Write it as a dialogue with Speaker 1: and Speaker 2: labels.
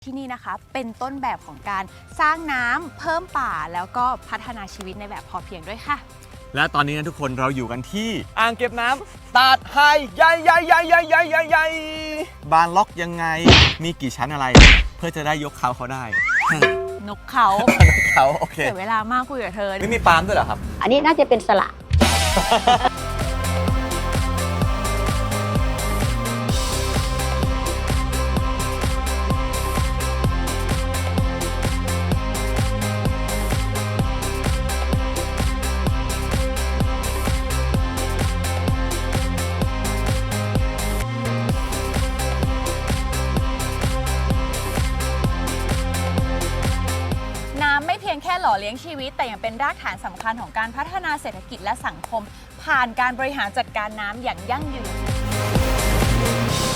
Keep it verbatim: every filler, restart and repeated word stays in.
Speaker 1: ที่นี่นะคะเป็นต้นแบบของการสร้างน้ำเพิ่มป่าแล้วก็พัฒนาชีวิตในแบบพอเพียงด้วยค่ะ
Speaker 2: และตอนนี้นะทุกคนเราอยู่กันที่อ่างเก็บน้ำตาดไฮใหญ่ใหญ่ใหญ่ใหญ่ใหญ่ใหญ่ใหญ่บานล็อกยังไงมีกี่ชั้นอะไร เพื่อจะได้ยกเขาเขาได้
Speaker 1: นกเขา
Speaker 2: เขาโอเค
Speaker 1: เสียเวลามากคุยกับเธอ
Speaker 2: ไม่มีปาล์มด้วยเหรอครับ
Speaker 3: อันนี้น่าจะเป็นสละ
Speaker 1: น้ำไม่เพียงแค่หล่อเลี้ยงชีวิตแต่ยังเป็นรากฐานสำคัญของการพัฒนาเศรษฐกิจและสังคม ผ่านการบริหารจัดการน้ำอย่างยั่งยืน